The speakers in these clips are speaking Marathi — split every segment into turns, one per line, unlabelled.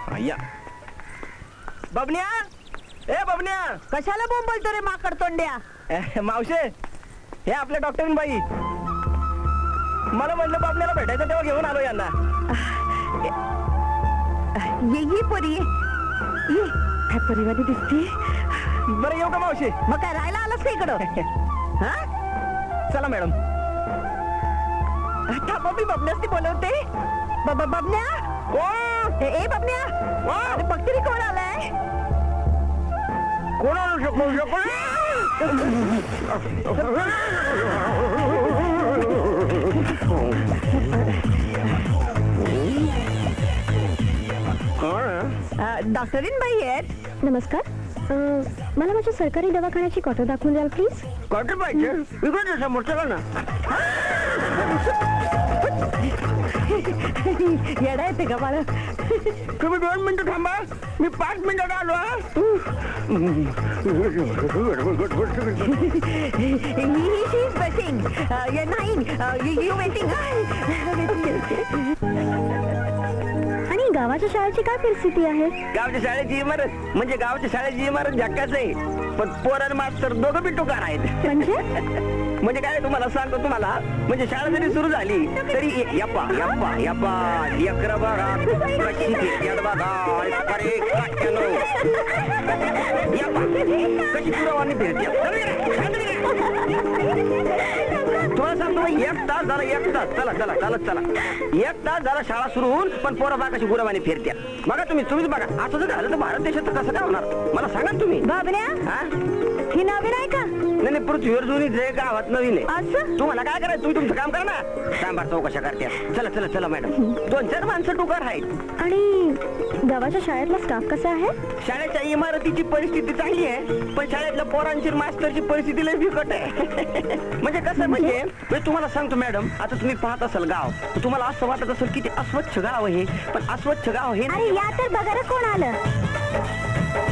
या बबन्या, ए बबन्या,
कशाला बोंबलतो रे माकड तोंड्या?
मावशे, हे आपल्या डॉक्टरीन बाई. मला म्हणलं बबन्याला भेटायचं तेव्हा घेऊन आलो यांना.
ये परी ये, काय परिवारी दिसते.
बरं येऊ का मावशी?
मग काय राहायला आलास का इकडं? हा,
चला मॅडम.
थांबा मी बबन्यास बोलवते. बबन्या, ए बबन्या, अरे बघते रे कोण आलाय.
कोण आणू शकतो?
डॉक्टरीन बाई आहेत.
नमस्कार. मला माझ्या सरकारी दवाखान्याची क्वार्टर दाखवून द्याल प्लीज.
क्वार्टर पाहिजे इकडे समोर, चला ना.
येडा येते का बाळा?
तुम्ही 2 मिनिटं थांबा, मी 5 मिनिटात आलो.
आणि गावाच्या शाळेची काय परिस्थिती आहे?
गावच्या शाळेची इमारत म्हणजे गावच्या शाळेची इमारत झक्काच आहे, पण पोरण मास्तर दोघं बी टुकार आहेत. म्हणजे काय तुम्हाला सांगतो तुम्हाला, म्हणजे शाळा जरी सुरू झाली तरी यप्पा यप्पा यप्पा लेकर बघा कशी फिरत्यात बघा. अरे काट्यानो, यप्पा कशी पुरवानी फिरत्यात. तुम्हाला सांगतो 1 तास झाला, 1 तास. चला चला चालत चला. 1 तास झाला शाळा सुरू होऊन, पण पोरं बघा कशी गुरवानी फिरत्यात. बघा तुम्हीच बघा. असं जर झालं तर भारत देशात कसं काय होणार मला सांगा तुम्ही.
बाबन्या,
हा,
ही नवीन आहे का?
नाही पृथ्वीवर जुनी जे गावात नवीन आहे.
असं
तुम्हाला काय करायचं, तुम्ही तुमचं काम करा ना. सांबार चौकशा करत्या. चला चला चला मॅडम. 2-4 माणसं टुकार आहेत.
आणि गावाच्या शाळेतला स्टाफ कसा आहे?
शाळेच्या इमारतीची परिस्थिती चांगली आहे, पण शाळेतल्या पोरांची मास्तरची परिस्थिती लय बिकट आहे. म्हणजे कसं म्हणजे तुम्हाला सांगतो मॅडम, आता तुम्ही पाहत असाल गाव, तर तुम्हाला असं वाटत असेल की ते अस्वच्छ गाव आहे, पण अस्वच्छ गाव हे
अरे या तर बघा रे कोण आलं.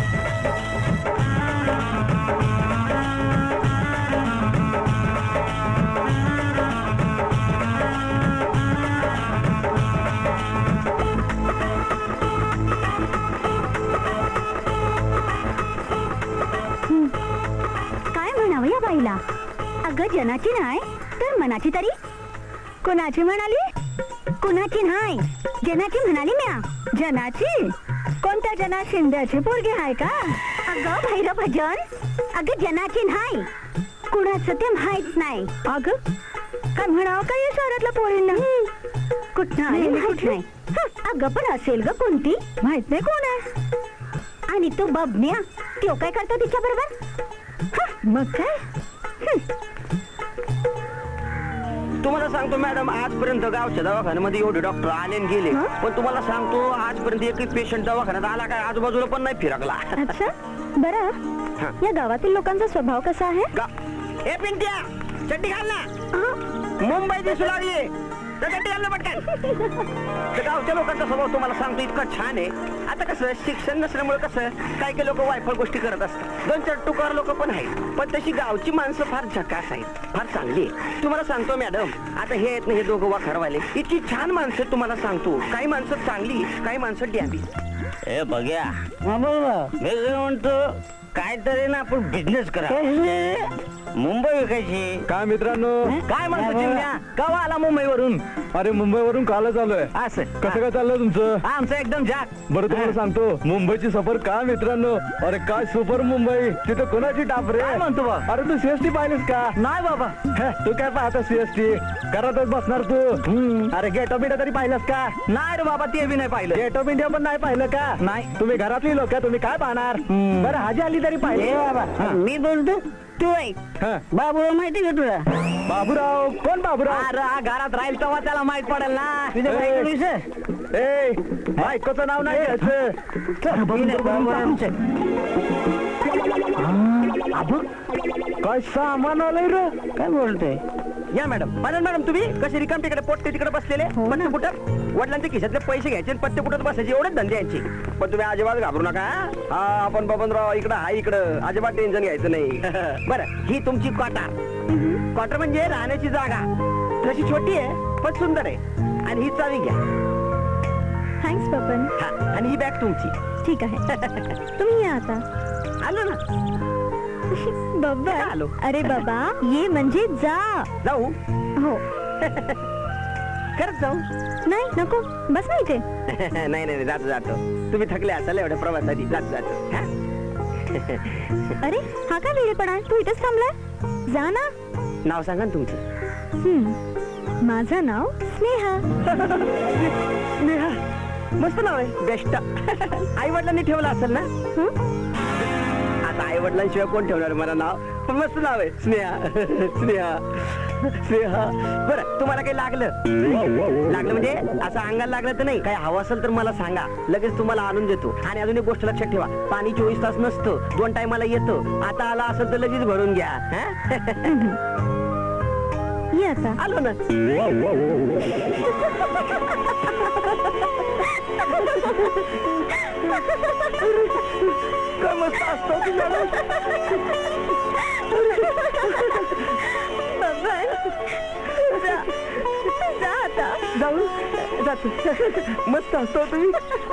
काय म्हणावं या बाईला? अगं जनाची नाही तर मनाची तरी.
कोणाची म्हणाली?
कुणाची नाही, जनाची म्हणाली म्या.
जनाची? कोणत्या जना? शिंद्याची पोरगी आहे का?
अगं भैरव भजन, अगं जनाची नाही, कुणाचं ते माहित नाही.
अगं काय म्हणावं काय या शहरातल्या पोरींना?
कुठं आली माहित नाही. अगं पण असेल ग कोणती,
माहित नाही कोण आहे.
आणि तू बबन्या, तो काय करतो तिच्या बरोबर?
मग काय?
तुम्हाला सांगतो मॅडम, आजपर्यंत गावच्या दवाखान्यामध्ये एवढे डॉक्टर आले आणि गेले, पण तुम्हाला सांगतो आजपर्यंत एकही पेशंट दवाखान्यात आला काय आजूबाजूला पण नाही फिरकला.
अच्छा बरं, या गावातील लोकांचा स्वभाव कसा आहे?
ए पिंट्या, चड्डी घाल ना, मुंबई दिसू लागली तर चड्डी घाल ना पटकन. तर गावच्या लोकांचा स्वभाव तुम्हाला सांगतो इतका छान आहे. आता कसं शिक्षण नसल्यामुळे कसं काही काही लोक वायफळ गोष्टी करत असतात. 2-4 टुकार लोक पण आहेत, पण तशी गावची माणसं फार झकास आहेत, फार चांगली आहे. तुम्हाला सांगतो मॅडम, आता हे आहेत ना हे दोघं वाखरवाले, इतकी छान माणसं तुम्हाला सांगतो. काही माणसं चांगली, काही माणसं डॅबी. ए बघ्या, मी म्हणतो काहीतरी ना आपण बिझनेस करा. मुंबई विकायची.
काय मित्रांनो,
काय म्हणतो चिमण्या? केव्हा आला मुंबईवरून?
अरे मुंबईवरून कालच आलोय.
असं
कसं काय चाललंय तुमचं?
आमचं एकदम जाग.
बरं तुम्हाला सांगतो, मुंबईची सफर काय मित्रांनो, अरे काय सुपर मुंबई. तिथे कोणाची टाप रे?
काय म्हणतो बा?
अरे तू सीएसटी पाहिलीस का?
नाही बाबा.
तू काय पाहता सीएसटी? घरातच बसणार तू. अरे गेट ऑफ इंडिया तरी पाहिलंस का?
नाही रे बाबा, ते बी नाही पाहिलं.
गेट ऑफ इंडिया पण नाही पाहिलं का?
नाही.
तुम्ही घरातली लोक, तुम्ही काय पाहणार? बरं हाजी आली तरी पाहिजे.
मी बोलतो तू ऐक.
हा.
बाबू माहिती का तुला?
बाबूराव कोण बाबूराव?
अरे घरात राहील तेव्हा त्याला माहित पडेल ना. तुझ्या
ए.
बायकोचं विषय?
ए बायकोचं नाव नाही घ्यायचं. काय सामान आलंय रे?
काय बोलतोय? या मॅडम. मॅडम तुम्ही कसे रिकाम तिकडे पोटते तिकडे बसलेले पत्ते पुटत, वडिलांचे खिशातले पैसे घ्यायचे आणि पत्ते पुटत बसायचे, एवढेच धंदे यांचे. पण तुम्ही अजिबात घाबरू नका. हा आपण बबनराव इकडं हा इकडं, अजिबात टेन्शन घ्यायचं नाही. बरं, ही तुमची क्वार्टर म्हणजे राहण्याची जागा. तशी छोटी आहे पण सुंदर आहे. आणि ही चावी घ्या.
थँक्स बबन.
हा, आणि ही बॅग तुमची.
ठीक आहे. तुम्ही या आता.
आलो ना. आलो.
बबन अरे बाबा ये म्हणजे जा.
जाऊ.
हो.
खरंच जाऊ.
नाही नको बस ना इथे.
नाही नाही जातो जातो. तुम्ही थकले असाल एवढ्या प्रवासाची. जातो जातो. हा?
अरे हा काय वेळेपणा आहे? तू इथेच थांबलाय. जा ना.
नाव सांगा ना तुमचं.
माझं नाव स्नेहा.
स्नेहा. मस्त नाव आहे. बेस्ट. आई वडिलांनी ठेवलं असेल ना. आता आई वडिलांशिवाय कोण ठेवणार मला नाव. पण मस्त नाव आहे स्नेहा. स्नेहा. स्नेहा. बरं तुम्हाला काही लागलं म्हणजे असं अंगाला लागलं तर नाही. काही हवं असेल तर मला सांगा. लगेच तुम्हाला आणून देतो. आणि अजून एक गोष्ट लक्षात ठेवा. पाणी 24 तास नसतं. 2 टायमाला येतं. आता आला असेल तर लगेच भरून घ्या.
ये आता.
आलो ना. काय मस्त असतो
जा आता.
जाऊ जातो. मस्त असतो तुम्ही.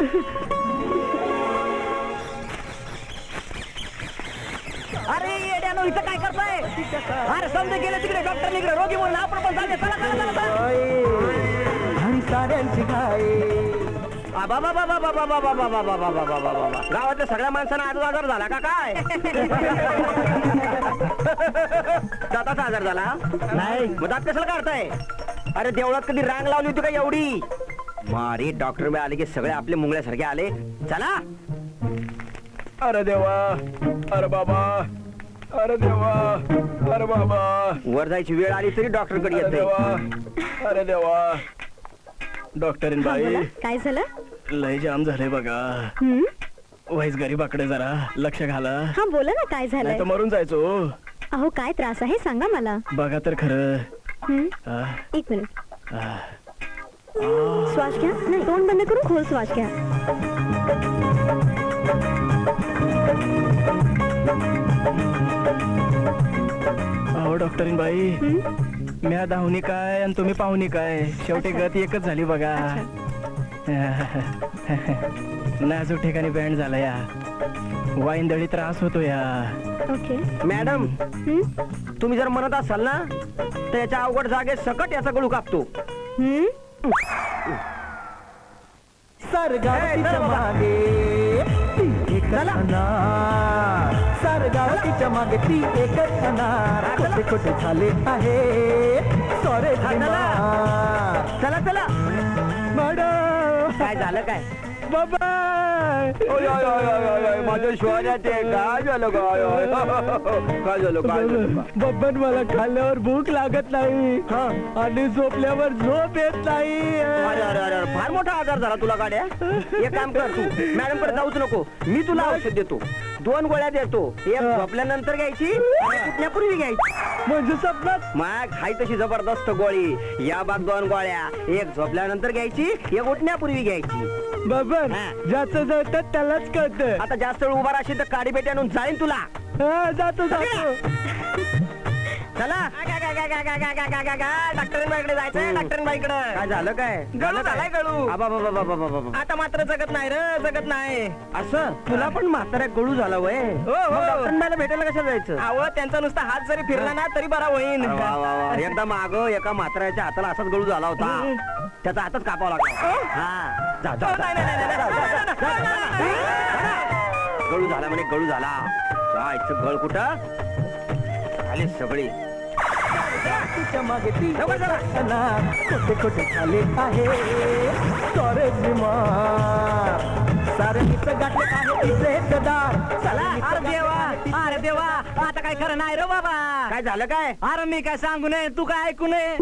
अरे येड्यानो इथं काय करताय? अरे समजा गेले तिकडे डॉक्टर निघले रोगी म्हणून आपण पण चालले. चला चला चला. आणि साऱ्यांची काय. गावातल्या सगळ्या माणसांना आजार झाला का काय? दाताचा आजार झाला नाही. मग दात कशाला काढताय? अरे देवळात कधी रांग लावली होती का एवढी? मारी डॉक्टर आले की सगळे आपले मुंगळ्यासारखे आले. चला.
अरे देवा. अरे बाबा. अरे देवा. अरे बाबा.
वर जायची वेळ आली तरी डॉक्टर कडे
अरे
येत
देवा. अरे देवा. डॉक्टरीन
हा,
बाई
बोला. काय झालं?
लय जाम झाले बघा. वाईस गरीबाकडे जरा लक्ष घाला.
हा बोला ना काय झालंय?
नाही तर मरून जायचो.
अहो काय त्रास आहे सांगा मला.
बघा तर खरं. आ,
एक मिनिट.
आ.
श्वास घ्या. नाही तोंड बंद करून खोल श्वास घ्या.
अहो डॉक्टरीन बाई म्या धावणी काय आणि तुम्ही पाहुणी काय. शेवटी गत एकच झाली बघा. नाजूक ठिकाणी बँड झाला या. वाईंदळी त्रास होतो या.
ओके.
मॅडम तुम्ही जर म्हणत असाल ना तर याच्या अवघड जागेत सकट याचा गळू कापतो.
सरगावतीच्या मागे ती एकच अनार. सरगावतीच्या मागे ती एकच अनार. खोटे खोटे झाले आहे सॉरे.
चला चला.
मॅडम.
काय झालं काय?
बाबा.
माझं श्वास काय झालं काय? काय झालं काय झालं?
बब्बन मला खाल्ल्यावर भूक लागत नाही आणि झोपल्यावर झोप येत नाही.
अरे अरे अरे फार मोठा आजार झाला तुला गाड्या. एक काम कर तू मॅडम कडे जाऊच नको. मी तुला औषध देतो. 2 गोळ्या देतो. एक झोपल्यानंतर घ्यायची उठण्यापूर्वी घ्यायची.
म्हणजे स्वप्नात
मग हाय तशी जबरदस्त गोळी. या बाग 2 गोळ्या. एक झोपल्यानंतर घ्यायची. एक उठण्यापूर्वी घ्यायची.
बब्बन
हा.
ज्याचं जळतात त्यालाच कळतं.
आता जास्त वेळ उभा राहशील तर काडी पेटी आणून जाईन तुला.
जातो जातो.
चला. डॉक्टरांबाईकडे जायचंय. डॉक्टरांबाईकडे. काय झालं काय?
गळू झालाय गळू.
आबाबाबाबाबाबाबा.
आता मात्र जगत नाही रे जगत नाही.
असं तुला पण म्हाताऱ्या गळू झाला वय.
हो.
डॉक्टरांबाईला भेटायला कशा जायचं?
अहो त्यांचा नुसता हात जरी फिरला ना तरी बरा होईन.
वा, वा, वा. एकदा माग एका म्हाताऱ्याच्या हाताला असाच गळू झाला होता. त्याचा हातच कापावा लागला. हा जा, जा, जा.
नाही, नाही, नाही, नाही, नाही, नाही.
गळू झाला म्हणे गळू झाला. जायचं गळ कुठं आले सगळे.
तिच्या मागे ती
लवकर चला.
अनार. खोटे खोटे झाले आहे सॉरे बिमार. सारणीचं गाठले आहे तिचे गदार.
चला.
अरे देवा.
अरे देवा आता काय खरं नाही रे बाबा.
काय झालं काय?
अरे मी काय सांगू नये तू काय ऐकू नये.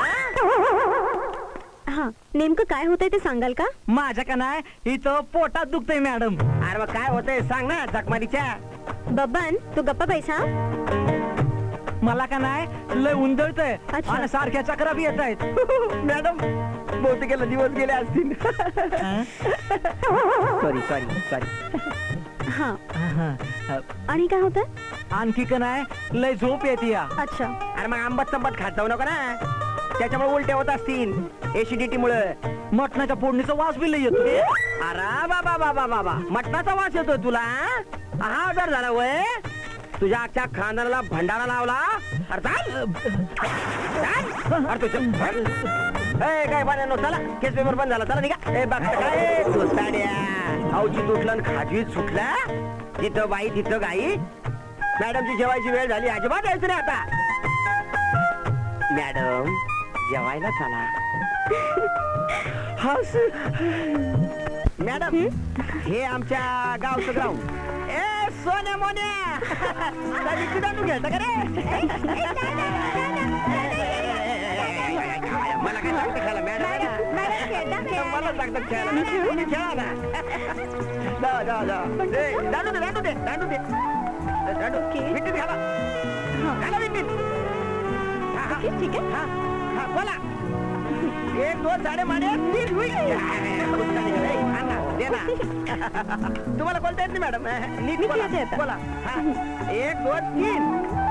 हा नेमकं काय होतंय ते सांगाल का?
माझ्या का नाही इथं पोटात दुखतंय मॅडम.
अरे मग काय होतंय सांग ना. जखमारीच्या.
बब्बन तू गप्पा पैसा.
मला का नाही लय उंदळतंय
अच्छा.
आणि सारख्या चक्रा बी येत आहेत.
मॅडम बहुतेक दिवस गेले असतील. Sorry sorry sorry.
हा आणि काय होतंय?
आणखी का नाही लय झोप येते या.
अच्छा.
अरे मग आंबट संबट खात जाऊ नका ना. त्याच्यामुळे उलट्या होत असतील. एसिडिटी मुळे.
मटणाच्या फोडणीचा वास बी लय येतो
अरे बाबा बाबा बाबा मटणाचा वास येतोय तुला हा आजार झाला वय तुझ्या अख्ख्या खानदाराला भंडारा लावला अरे चाल. चाल. अरे तुझ्या ए काय पाण्यानो चला केस पेपर बंद झाला चला निघा ए बघ काय साड्या अवची तुटलं खाजी सुटला तिथं बाई तिथं गाई मॅडमची जेवायची वेळ झाली अजिबात यायचं नाही आता मॅडम जेवायला चला हस मॅडम हे आमच्या गावचं ग्राउंड ए सोन्या मोन्या दांडू घ्यायचा का रे मला काय लागतं खेळायला मॅडम मला लागतं खेळायला तुम्ही खेळा ना दांडू दे दांडू दे दांडू दे दांडू विट्टीत घाला घाला विट्टीत
ठीक आहे
हा हा बोला एक दोन साडे माने तीन हुई दे ना तुम्हाला बोलता येत नाही मॅडम नीट बोला
येते आता.
बोला हा. एक दोन तीन